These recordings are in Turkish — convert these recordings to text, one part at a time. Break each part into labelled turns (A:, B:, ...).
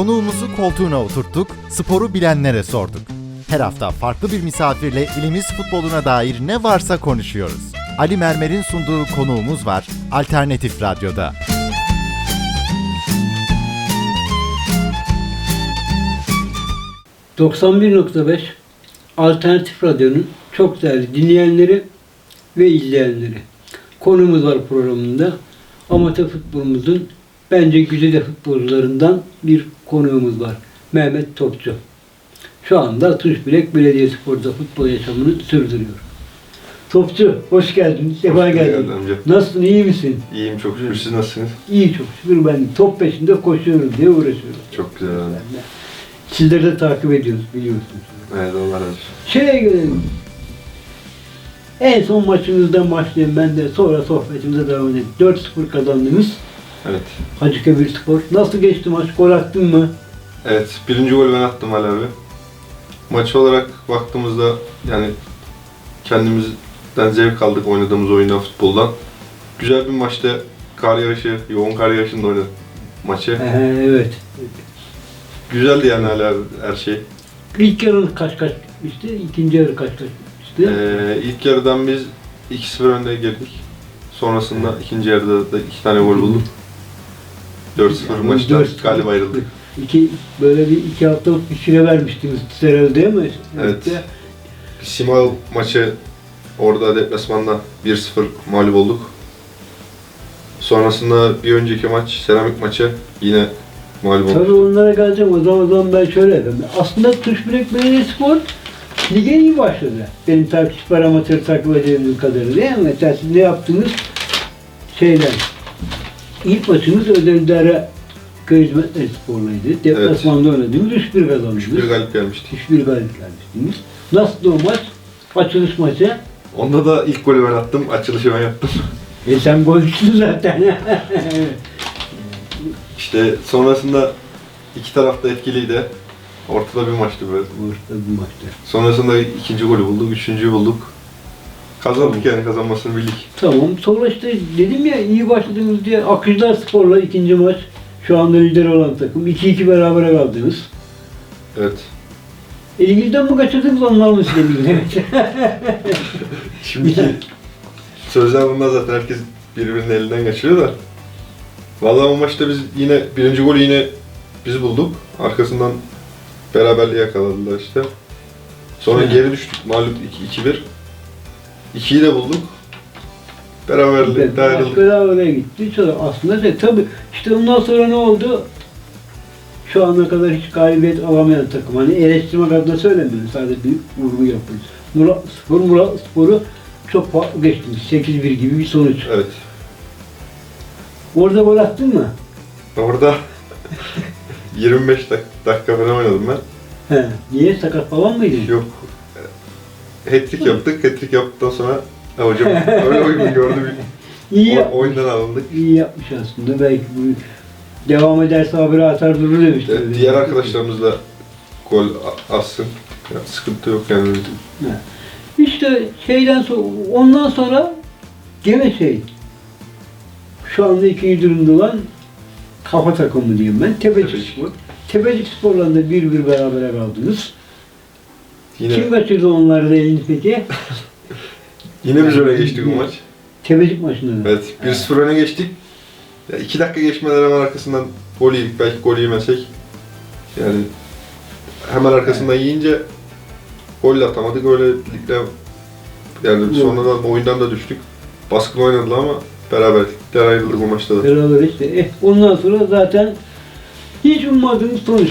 A: Konuğumuzu koltuğuna oturttuk, sporu bilenlere sorduk. Her hafta farklı bir misafirle ilimiz futboluna dair ne varsa konuşuyoruz. Ali Mermer'in sunduğu Konuğumuz var, Alternatif Radyo'da.
B: ...91.5 Alternatif Radyo'nun çok değerli dinleyenleri ve izleyenleri. Konumuz var programında. Amatör futbolumuzun bence güzide futbolcularından bir konuğumuz var. Mehmet Topçu. Şu anda Tuşbilek Belediyespor'da futbol yaşamını sürdürüyor. Topçu, hoş geldin. Sefa geldin. Nasılsın, iyi misin?
C: İyiyim çok şükür. Siz nasılsınız?
B: İyi çok şükür. Ben top peşinde koşuyorum diye uğraşıyorum.
C: Çok güzel abi.
B: Sizleri de takip ediyoruz, biliyorsunuz.
C: Evet, Allah razı olsun.
B: Şeye gelelim. En son maçımızdan başlayayım ben de, sonra sohbetimize devam edelim. 4-0 kazandınız.
C: Evet.
B: Hacıkebirspor. Nasıl geçti maç? Gol attın mı?
C: Evet, birinci golü ben attım Ali abi. Maç olarak baktığımızda yani kendimizden zevk aldık oynadığımız oyundan, futboldan. Güzel bir maçta kar yağışı, yoğun kar yağışında oynadık maçı.
B: Evet.
C: Güzeldi yani Ali abi her şey.
B: İlk yarı kaç bitmişti? İkinci yarı kaç bitmişti?
C: İlk yarıdan biz 2-0 önde girdik. Sonrasında ikinci yarıda da 2 tane gol bulduk. 4-0 maçtan galip ayrıldık.
B: Böyle bir 2 haftalık bir süre vermiştiniz herhalde değil mi?
C: Evet. Simao maçı orada deplasmanda 1-0 mağlup olduk. Sonrasında bir önceki maç, Seramik maçı yine mağlup olduk.
B: Tabii onlara geleceğim. O zaman ben şöyle yapayım. Aslında Tuşbilek Belediyespor lige iyi başladı. Benim takipçi amatör takip edildiğim kadarıyla değil mi? Mesela siz ne yaptınız? İlk maçınız Ödeldere Köy Hizmetleri Spor'laydı. Deplasmanda oynadınız. 3-1 kazandınız.
C: 3-1 galip gelmiştik.
B: 3-1 galip gelmiştiniz. Nasıldı o maç? Açılış maçı.
C: Onda da ilk golü ben attım, açılışı ben yaptım.
B: Sen golcüsün zaten.
C: İşte sonrasında iki taraf da etkiliydi. Ortada bir maçtı böyle.
B: Ortada bir maçtı.
C: Sonrasında ikinci golü bulduk, üçüncüyü bulduk. Kazandık yani, kazanmasını bildik.
B: Tamam. Sonra işte dedim ya iyi başladınız diye Akıcılar Spor'la ikinci maç. Şu anda lider olan takım. 2-2 berabere kaldınız.
C: Evet.
B: Elinizden mi kaçırdınız, onlar mı size bildi?
C: Şimdiki sözler bunlar zaten, herkes birbirinin elinden kaçırıyor da. Vallahi o maçta biz yine birinci golü yine biz bulduk. Arkasından beraberliği yakaladılar işte. Sonra geri düştük mağlup 2-1. 2'yi de bulduk. Beraberlikte ayrıldık.
B: Berabere gitti. Sonra aslında tabii işte ondan sonra ne oldu? Şu ana kadar hiç galibiyet alamayan takım. Hani eleştirmek adına söylemiyorum. Sadece bir vurgu yapıyoruz. Murat Spor'u çok farklı geçtiniz. 8-1 gibi bir sonuç.
C: Evet.
B: Orada gol attın mı?
C: Orada 25 dakika falan oynadım ben.
B: He. Niye? Sakat falan mıydın?
C: Yok. Hat-trick yaptık. Hat-trick yaptıktan sonra hocam öyle uygun gördü. Oyundan alındık.
B: İyi yapmış aslında. Belki bu devam ederse haberi atar durur demiştim.
C: Diğer arkadaşlarımızla gol atsın. Yani sıkıntı yok yani.
B: İşte ondan sonra gene şu anda ikinci durumda olan kafa takımı diyeyim ben. Tepecik Spor. Tepecik Spor'la da 1-1 berabere kaldınız.
C: Yine,
B: kim kaçırdı onları da elini peki?
C: Yine biz öne geçtik bu maç.
B: Tepecik maçında da.
C: Evet, 1-0 öne geçtik. 2 dakika geçmeden hemen arkasından gol yedik. Belki gol yemesek. Yani hemen arkasından yiyince gol de atamadık. Öylelikle yani sonradan oyundan da düştük. Baskın oynadılar ama beraberlikle ayrıldık o maçta da.
B: Beraber işte. Ondan sonra zaten hiç ummadığımız sonuç.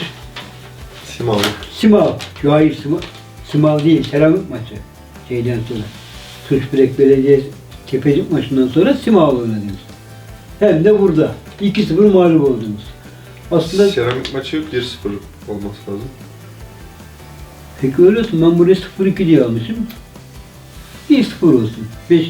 B: Simao. Hayır Simao değil. Seramik maçı. Şeyden sonra. Tuşbilek Belediye Tepecik maçından sonra Simao oynadınız. Hem de burada. 2-0 mağlup oldunuz. Aslında
C: Seramik maçı 1-0 olması lazım.
B: Peki öyle olsun. Ben buraya 0-2 diye almışım. 1-0 olsun.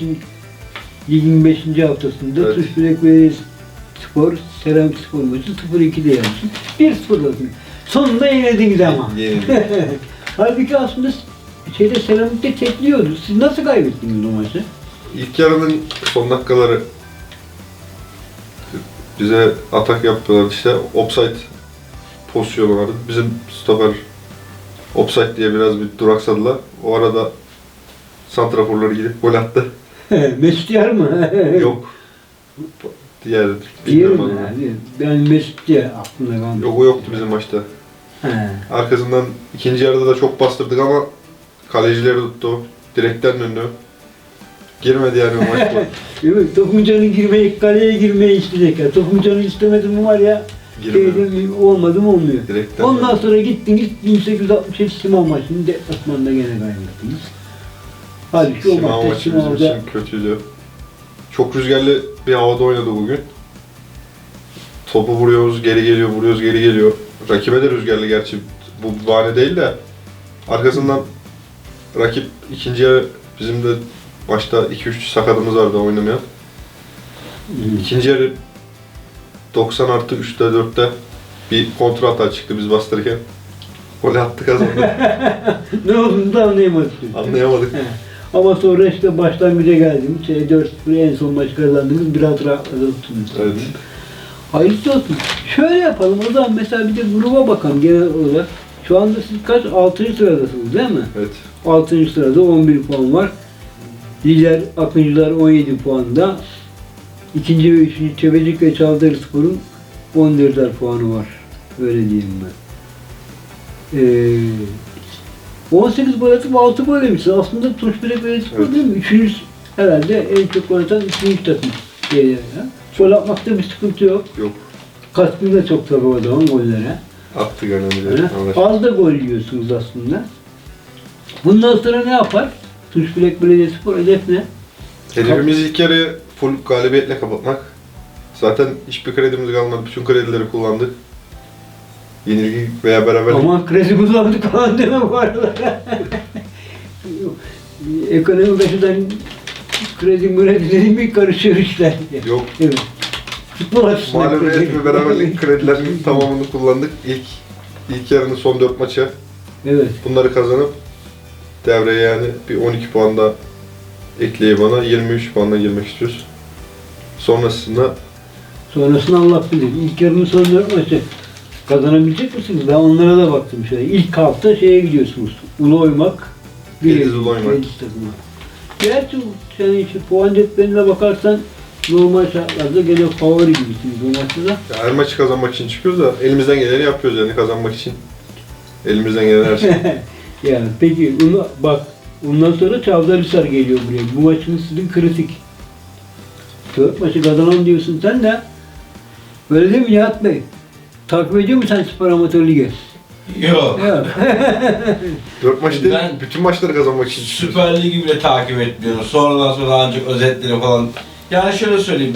B: Ligin 5. haftasında evet. Tuşbilek Belediyespor, Seramik Spor maçı 0-2 diye almışım. 1-0 olsun. Sonunda yenildiniz ama. Halbuki aslında Seramik'te tekliyordu. Siz nasıl kaybettiniz o maçı?
C: İlk yarının son dakikaları bize atak yaptılar işte. Offside pozisyonu vardı. Bizim stoper offside diye biraz bir duraksadılar. O arada santraforları gidip gol attı.
B: Mesut Yar mı?
C: Yok. Diğer
B: Diyelim
C: bilmiyorum adını.
B: yani. Ben Mesut diye aklımda kalmış.
C: Yok, o yoktu bizim maçta.
B: He.
C: Arkasından ikinci yarıda da çok bastırdık ama kalecileri tuttu. Direkten döndü. Girmedi yani o maç.
B: Evet, Topuncan'ın girmeyi, kaleye girmeyi isteyecek ya. Topuncan'ı istemedim mi var ya,
C: Girmedi.
B: şeyden olmadı mı olmuyor.
C: Direkten
B: Ondan
C: döndü.
B: sonra gittiniz 1867 Simon maçını deplasmanda gene kaybettiniz. Halbuki o
C: Simao
B: maçta
C: maçı bizim
B: Simon'da
C: için kötüydü. Çok rüzgarlı bir havada oynadı bugün. Topu vuruyoruz, geri geliyor, vuruyoruz, geri geliyor. Rakibe de rüzgarlı gerçi. Bu bahane değil de. Arkasından rakip ikinci yarı bizim de maçta 2-3 sakatımız vardı oynamayan. İkinci yarı 90 artı 3'te 4'te bir kontra hata çıktı biz bastırırken. Gol attı, kazandı.
B: ne olduğunu da anlayamadık.
C: Anlayamadık.
B: He. Ama sonra işte başlangıca geldiğimiz 4-0 en son maç kazandığımız biraz rahatladınız.
C: Evet.
B: Hayırlısı olsun. Şöyle yapalım o zaman, mesela bir de gruba bakalım genel olarak. Şu anda siz kaç? 6. sıradasınız değil mi?
C: Evet.
B: 6. sırada 11 puan var. Diğer Akıncılar 17 puanda. İkinci ve üçüncü Tebecik ve Çavdarspor'un 14'er puanı var. Öyle diyeyim ben. 18 gol atıp 6 gol yemişsin. Aslında Tunçbirek Belediyespor
C: Evet.
B: değil mi? Üçüncü herhalde en çok gol atan üçüncü takım. Ya. Gol atmakta bir sıkıntı yok.
C: Yok.
B: Katkı da çok tabii o zaman gollere.
C: Attık önemli.
B: Öyle. Az da gol yiyorsunuz aslında. Bundan sonra ne yapar? Tunçbirek Belediyespor hedef ne?
C: Hedefimiz ilk yarı full galibiyetle kapatmak. Zaten hiçbir kredimiz kalmadı. Bütün kredileri kullandık. Yenilgi veya beraberlik.
B: Aman kredi kullandık falan deme bu arada. Ekonomik açıdan kredi dediğim bir karışıyor işler.
C: Yok.
B: Evet. Futbol açısından
C: Mağlubiyet ve beraberlik kredilerinin tamamını kullandık. İlk yarının son 4 maçı.
B: Evet.
C: Bunları kazanıp devreye yani bir 12 puan da ekleyip bana 23 puanla girmek istiyoruz. Sonrasında
B: Sonrasını Allah bilir. İlk yarının son 4 maçı kazanabilecek misiniz? Ben onlara da baktım şöyle. İlk hafta şeye gidiyorsunuz. Ulu Oymak.
C: Gediz Ulu Oymak.
B: Gediz takımı. Gerçi yani işte puan cetveline bakarsan normal şartlarda gene favori gibisiniz bu maçta da.
C: ya her maçı kazanmak için çıkıyoruz da elimizden geleni yapıyoruz yani kazanmak için. Elimizden gelen her şey.
B: Yani peki bunu bak, ondan sonra Çavdarhisar geliyor buraya. Bu maçın sizin kritik. 4 maçı kazanan diyorsun sen de. Öyle değil mi Nihat Bey? Takip ediyor musun sen Spor Amatör Ligi?
D: Yok.
B: Ya.
C: 4 maç değil,
D: Ben
C: bütün maçları kazanmak için çıkıyoruz.
D: Süper Lig'i bile takip etmiyorum. Sonradan sonra ancak özetleri falan. Yani şöyle söyleyeyim.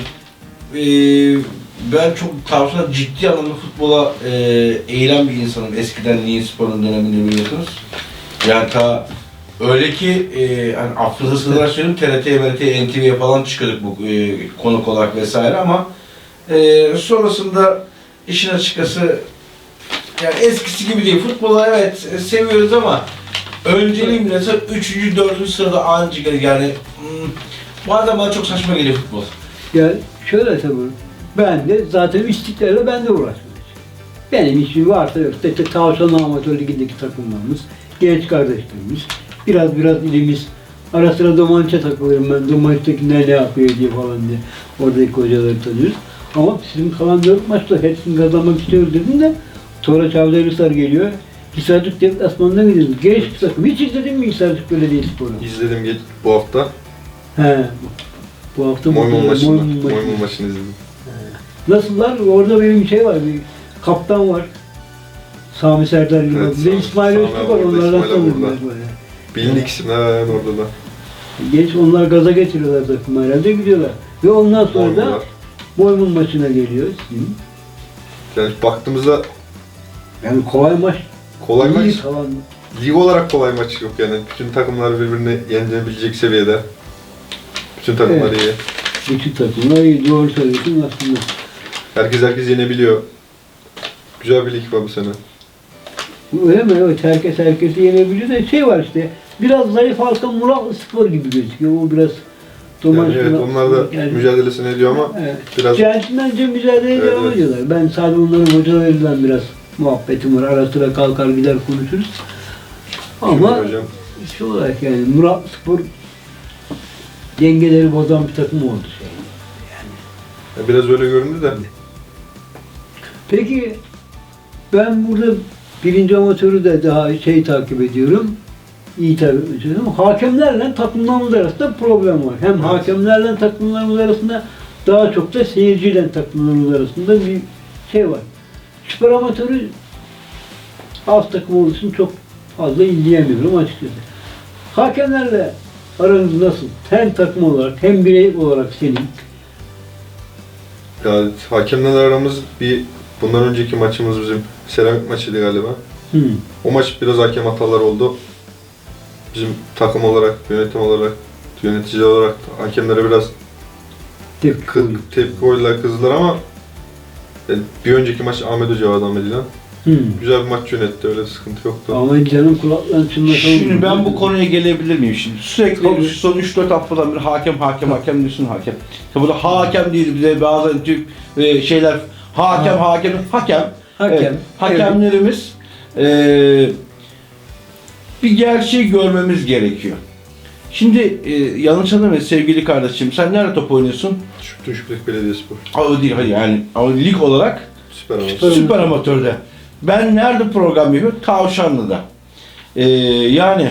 D: Ben çok tavsiye ciddi anlamda futbola eğilen bir insanım. Eskiden Niğin Spor'un döneminde biliyorsunuz. Yani öyle ki hani affınıza sığınarak söyleyeyim TRT, MRT, NTV'ye falan çıkıyorduk bu konuk olarak vesaire ama sonrasında işin açıkçası yani eskisi gibi değil. Futbolu evet seviyoruz ama önceliğim mesela 3. 4. sırada anca yani bazen bana çok saçma geliyor futbol.
B: Ya şöyle tabii. Ben de zaten istiklal'le ben de uğraşıyorum. Benim işim varsa yoksa işte Tavşan Amatör Ligi'ndeki takımlarımız, genç kardeşlerimiz, biraz ilimiz. Ara sıra Domanç'a takılırım ben. Domanç'takiler ne yapıyor diye falan diye. Oradaki hocaları tanıyoruz. Ama sizin kalan 4 maçta hepsini kazanmak istiyoruz dedim de sonra Çavdarhisar geliyor. Hisarcık deplasmanına gidiyoruz. Genç bir takım. Hiç izledin mi Hisarcık Belediyespor'u?
C: İzledim bu hafta.
B: He. Bu hafta
C: Moymun maçını.
B: Moymun maçını.
C: Moymun maçını izledim.
B: Nasıllar? Orada benim şey var, bir kaptan var. Sami Serdar Yılmaz.
C: Evet,
B: Bir de
C: Sami-
B: İsmail
C: Sami
B: Öztürk
C: abi
B: var,
C: orada,
B: onlardan
C: İsmail abi
B: tanıdım
C: orada.
B: ben böyle.
C: Bilindik isimler yani orada da.
B: Genç onlar gaza getiriyorlar takımı herhalde, gidiyorlar. Ve ondan sonra da
C: Moymunlar.
B: Moymun maçına geliyor.
C: Yani baktığımızda
B: Yani kolay maç.
C: kolay
B: iyi
C: maç,
B: falan.
C: lig olarak kolay maç yok yani. Bütün takımlar birbirini yenebilecek seviyede. Bütün takımlar iyi.
B: Bütün takımlar iyi, doğru söylüyorsun aslında.
C: Herkes yenebiliyor. Güzel bir lig var bu sene.
B: Öyle mi? Evet, herkesi yenebiliyor da şey var işte. Biraz zayıf halka Muratlı Spor gibi gözüküyor. O biraz
C: Yani evet, onlar da mücadelesini ediyor ama
B: evet.
C: biraz
B: Centilmence mücadeleye devam
C: Evet.
B: ediyorlar. Ben sadece onların hocalarıyla biraz muhabbetim var. Ara sıra kalkar gider konuşuruz. Ama
C: Şimdi hocam
B: şu olarak yani Murat Spor dengeleri bozan bir takım oldu.
C: biraz öyle göründü de.
B: Peki ben burada birinci amatörü de daha takip ediyorum. İyi takip ediyorum. Hakemlerle takımlarımız arasında problem var. Hem hakemlerle takımlarımız arasında daha çok da seyirciyle takımlarımız arasında bir şey var. Süper amatörü alt takım olduğu için çok fazla izleyemiyorum açıkçası. Hakemlerle aranız nasıl? Hem takım olarak hem birey olarak senin.
C: Ya hakemlerle aramız bundan önceki maçımız bizim seramik maçıydı galiba. O maç biraz hakem hataları oldu. Bizim takım olarak, yönetim olarak, yönetici olarak hakemlere biraz tepki koydular, kızdılar ama bir önceki maç Ahmet Hoca vardı Ahmet İlhan. Güzel bir maç yönetti, öyle sıkıntı yoktu.
B: Ama canım kulaklarını çınlatalım.
D: Şimdi ben bu konuya gelebilir miyim şimdi? Sürekli
B: Tabii.
D: son 3-4 haftadan bir hakem diyorsun hakem. Ya burada hakem değil bize bazen Türk şeyler hakem. Evet, hakemlerimiz bir gerçeği görmemiz gerekiyor. Şimdi yanlış anlamayın sevgili kardeşim, sen nerede top oynuyorsun?
C: Tuşbek Belediyespor.
D: O değil hayır yani ama lig olarak
C: Süper ama.
D: Süper Amatör'de. Ben nerede program yapıyorum? Tavşanlı'da. Yani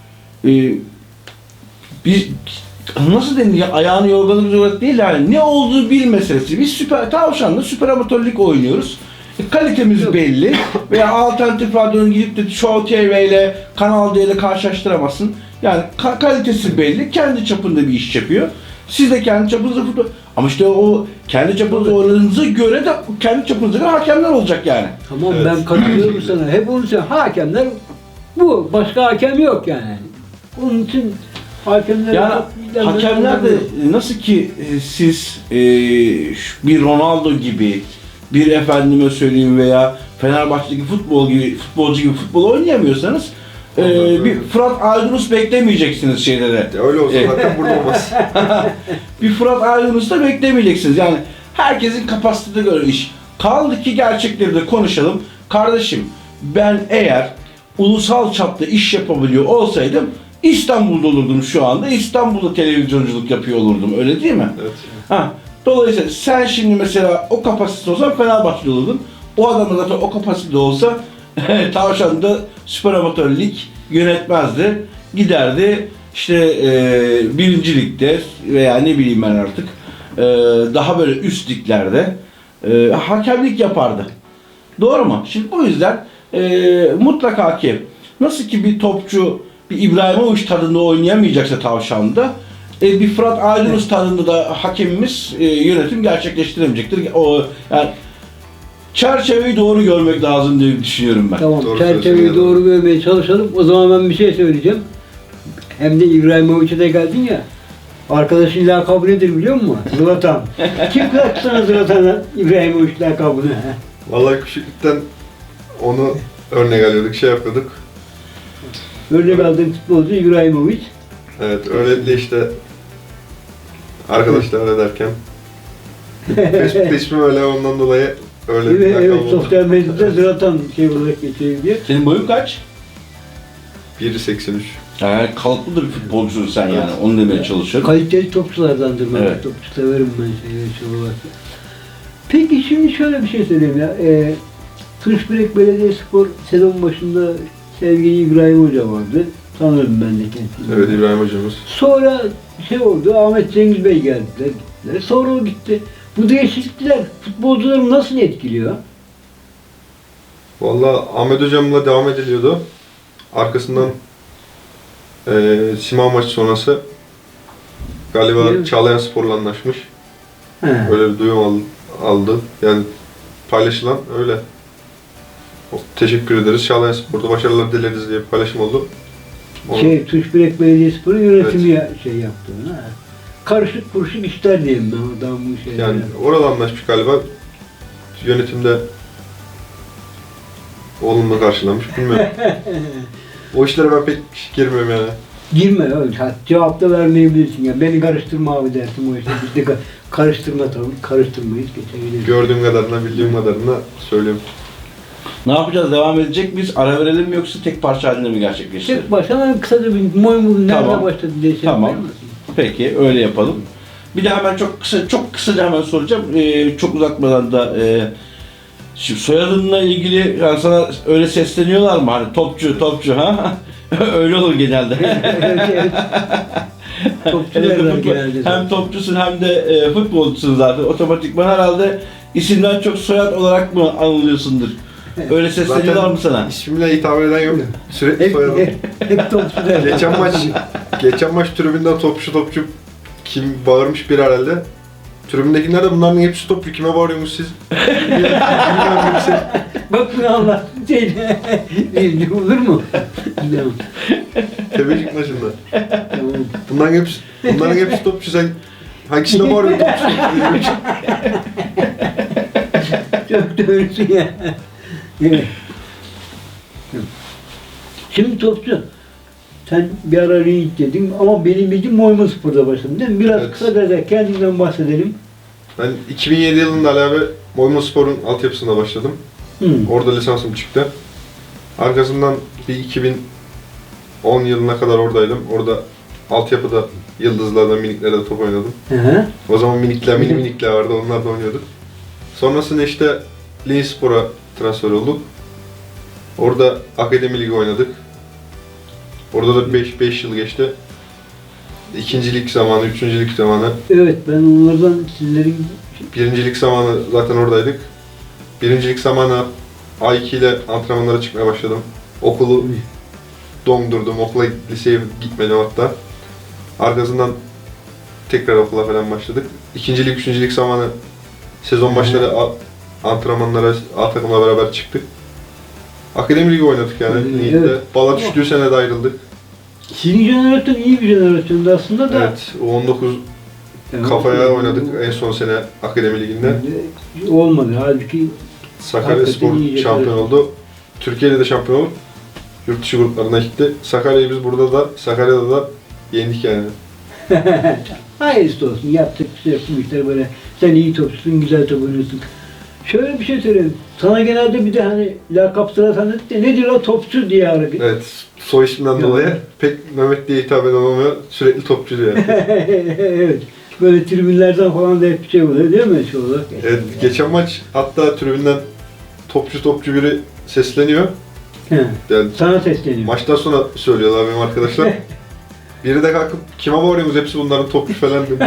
D: biz nasıl denir ya, ayağını yorganı olarak değil yani ne olduğu bil meselesi. Biz Tavşanlı Süper Amatörlük oynuyoruz. Kalitemiz belli veya alternatif radyonun gidip de Show TV ile Kanal D ile karşılaştıramazsın. Yani kalitesi belli, kendi çapında bir iş yapıyor. Siz de kendi çapınızda futbol... Ama işte o kendi çapınızda oynadığınıza göre de kendi çapınıza göre hakemler olacak yani.
B: Tamam
C: Evet.
B: ben katılıyorum sana. Hep onu söylüyorum. Hakemler bu. Başka hakem yok yani. Onun için hakemler...
D: Yani hakemler de nasıl ki siz bir Ronaldo gibi, bir efendime söyleyeyim veya Fenerbahçe'deki futbolcu gibi futbol oynayamıyorsanız bir Fırat Aydınus beklemeyeceksiniz şeylere.
C: Ya öyle olsa zaten burada olmaz.
D: Bir Fırat Aydınus da beklemeyeceksiniz. Yani herkesin kapasitesine göre iş. Kaldı ki gerçekleri de konuşalım. Kardeşim ben eğer ulusal çapta iş yapabiliyor olsaydım İstanbul'da olurdum şu anda. İstanbul'da televizyonculuk yapıyor olurdum. Öyle değil mi?
C: Evet.
D: Ha, dolayısıyla sen şimdi mesela o kapasitede olsan Fenerbahçe'de olurdun. O adam da zaten o kapasitede olsa Tavşan'da Süper Amatör Lig yönetmezdi. Giderdi işte birinci ligde veya ne bileyim ben artık daha böyle üst liglerde hakemlik yapardı. Doğru mu? Şimdi o yüzden mutlaka ki nasıl ki bir topçu bir İbrahimovic tadında oynayamayacaksa Tavşan'da bir Fırat Aydınus tadında da hakemimiz yönetim gerçekleştiremeyecektir. O yani çerçeveyi doğru görmek lazım diye düşünüyorum ben.
B: Tamam,
C: Doğru
B: çerçeveyi
C: söylüyorsun.
B: doğru görmeye çalışalım. O zaman ben bir şey söyleyeceğim. Hem de İbrahimovic'e de geldin ya. Arkadaşın lakabı nedir biliyor musun? Zlatan. Kim kaçtı sana Zlatan'a İbrahimovic lakabını?
C: Vallahi küçüklükten onu örnek alıyorduk, şey yapıyorduk.
B: Örnek aldığım futbolcu İbrahimovic.
C: Evet, öyle de işte arkadaşlar ederken Facebook'ta ismim öyle, ondan dolayı öyle bir
B: Evet,
C: lakabı
B: evet,
C: oldu.
B: sosyal medyada Zlatan olarak geçiyor diye.
D: Senin boyun kaç?
C: 1.83.
D: Yani kalıplı bir futbolcusun sen yani. Onu demeye çalışıyorum.
B: Kaliteli topçulardandır ben.
D: Evet.
B: Topçu severim ben şey olarak. Peki şimdi şöyle bir şey söyleyeyim ya. Tuşbirek Belediyespor sezon başında sevgili İbrahim Hoca vardı. Tanırım ben de kendisini.
C: Evet, İbrahim hocamız.
B: Sonra şey oldu, Ahmet Cengiz Bey geldiler, gittiler. Sonra o gitti. Bu değişiklikler futbolcuları nasıl etkiliyor?
C: Vallahi Ahmet hocamla devam ediliyordu. Arkasından Simao maçı sonrası galiba
B: Evet.
C: Çağlayan Spor'la anlaşmış.
B: He.
C: Öyle bir duyum aldı. Yani paylaşılan öyle. Teşekkür ederiz. Çağlayan Spor'da başarılar dileriz diye bir paylaşım oldu. Onu-
B: Tuşbirek Belediyespor'un yönetimi şey yaptı. Ha. Karışık kuruşuk işler diyeyim ben adam bu şeyler.
C: Yani orada anlaşmış galiba. Yönetimde olumlu karşılamış. Bilmiyorum. O işlere ben pek girmiyorum yani.
B: Girme öyle. Cevap da vermeyebilirsin. Ya. Beni karıştırma abi dersin o işte. Biz de karıştırma tabii. Karıştırmayız. Geçebiliriz.
C: Gördüğüm kadarına, bildiğim kadarına söylüyorum.
D: Ne yapacağız? Devam edecek miyiz? Ara verelim mi yoksa tek parça halinde mi gerçekleştirelim?
B: Tek başına kısaca bir Moymul'un nerede
D: Tamam.
B: başladı diye şey
D: Tamam.
B: yapar mısın?
D: Peki öyle yapalım. Bir de hemen çok kısaca hemen soracağım. Çok uzatmadan da şimdi soyadınla ilgili yani sana öyle sesleniyorlar mı? Hani topçu ha? Öyle olur genelde.
B: Evet. Topçu derler genelde.
D: Hem topçusun hem de futbolcusun zaten. Otomatikman herhalde isimden çok soyad olarak mı anılıyorsundur? Öyle sesleniyorlar mı sana?
C: İsmimle hitap eden yok. Sürekli
B: Hep,
C: soyadım.
B: hep topçu derler.
C: Geçen maç tribünden topçu kim bağırmış bir herhalde. Tribündekiler de bunların hepsi topçu. Kime bağırıyorsunuz siz? Bilmiyorum hepsi.
B: Bak bunu anlattın şey. Olur mu? Tamam.
C: Tebecik maçında.
B: Tamam.
C: Bunların hepsi topçu. Sen hangisine bağırıyorsun topçu?
B: Çok doğrusun ya. Evet. Şimdi topçu. Sen bir ara ring dedin ama benim bildiğim Moymul Spor'da başladın değil mi? Biraz
C: Evet.
B: kısaca da kendinden bahsedelim.
C: Ben 2007 yılında Ali abi Moymulspor'un altyapısında başladım. Orada lisansım çıktı. Arkasından bir 2010 yılına kadar oradaydım. Orada altyapıda Yıldızlar'da, Miniklerde top oynadım.
B: Hı.
C: O zaman minikler vardı, onlar da oynuyorduk. Sonrasında işte Linspor'a transfer olduk. Orada Akademi Ligi oynadık. Orada da 5 yıl geçti. İkincilik zamanı, üçüncülük zamanı.
B: Evet, ben onlardan sizlerin
C: Birincilik zamanı zaten oradaydık. Birincilik zamanı A2 ile antrenmanlara çıkmaya başladım. Okulu dondurdum, okula liseye gitmedim hatta. Arkasından tekrar okula falan başladık. İkincilik, üçüncülük zamanı sezon başları antrenmanlara A takımla beraber çıktık. Akademi Ligi oynadık yani.
B: Evet.
C: Ligde. Bala düştüğü sene de ayrıldık.
B: sizin jenerasyon iyi bir jenerasyondu aslında da.
C: Evet, U19
B: Evet.
C: kafaya oynadık en son sene Akademi Ligi'nde.
B: Olmadı. Halbuki
C: Sakaryaspor
B: Hakikaten iyi
C: şampiyon oldu. Türkiye'de de şampiyon olup yurt dışı gruplarına gitti. Sakarya'yı biz burada da, Sakarya'da da yendik yani.
B: hayırlısı olsun. Yaptık bir şey yok. Bu işler böyle. Sen iyi topçusun, güzel top oynuyorsun. Şöyle bir şey söyleyeyim. Sana genelde bir de hani lakap sıra tanıdık da nedir o topçu diye hareket.
C: Evet, soy isimden dolayı pek Mehmet diye hitap eden olmuyor. Sürekli topçu diyor.
B: Evet. Böyle tribünlerden falan da hep bir şey oluyor değil mi şu olarak?
C: Evet, geçen maç hatta tribünden topçu biri sesleniyor.
B: He.
C: Yani
B: Sana sesleniyor.
C: maçtan sonra söylüyorlar benim arkadaşlar. Biri de kalkıp kime bağırıyorsunuz hepsi bunların topçu falan dedi.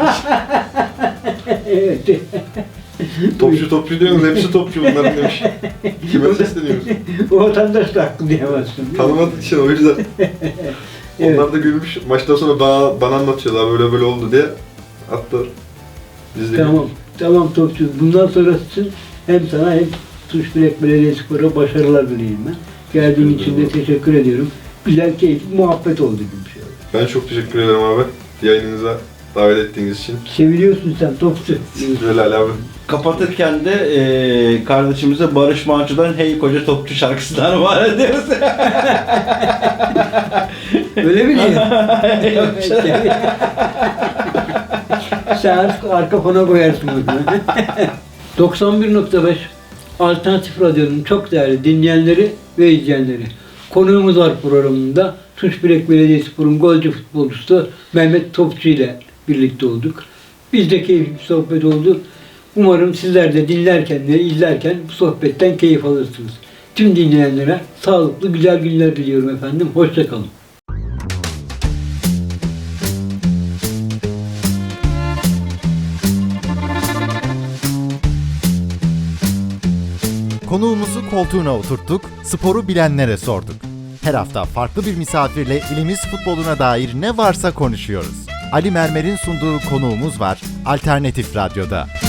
B: Evet.
C: Topçu diyorsunuz hepsi topçu bunların demiş. Kime sesleniyorsunuz?
B: O vatandaş da haklı diyemezsin. değil mi?
C: Tanımadığı için o yüzden.
B: Evet.
C: Onlar da gülmüş. Maçtan sonra bana anlatıyorlar böyle oldu diye. Hatta biz de
B: Tamam topçu. Bundan sonrası için hem sana hem Tuşbilek Belediyespor'a başarılar dileyim ben. Geldiğin için de teşekkür ediyorum. Güzel, keyifli muhabbet oldu gibi bir şey oldu.
C: Ben çok teşekkür ederim abi. Yayınınıza davet ettiğiniz için.
B: Seviliyorsun sen topçu.
C: Böyle Ali abi.
D: Kapatırken de kardeşimize Barış Manço'dan Hey Koca Topçu şarkısından var ediyoruz.
B: Öyle mi diyor? Sen arka fona koyarsın bunu. 91.5 Alternatif Radyo'nun çok değerli dinleyenleri ve izleyenleri. Konuğumuz var programında. Tuşbilek Belediyespor'un golcü futbolcusu Mehmet Topçu ile birlikte olduk. Biz de keyifli bir sohbet oldu. Umarım sizler de dinlerken ve izlerken bu sohbetten keyif alırsınız. Tüm dinleyenlere sağlıklı, güzel günler diliyorum efendim. Hoşça kalın.
A: Konuğumuzu koltuğuna oturttuk, sporu bilenlere sorduk. Her hafta farklı bir misafirle ilimiz futboluna dair ne varsa konuşuyoruz. Ali Mermer'in sunduğu Konuğumuz var Alternatif Radyo'da.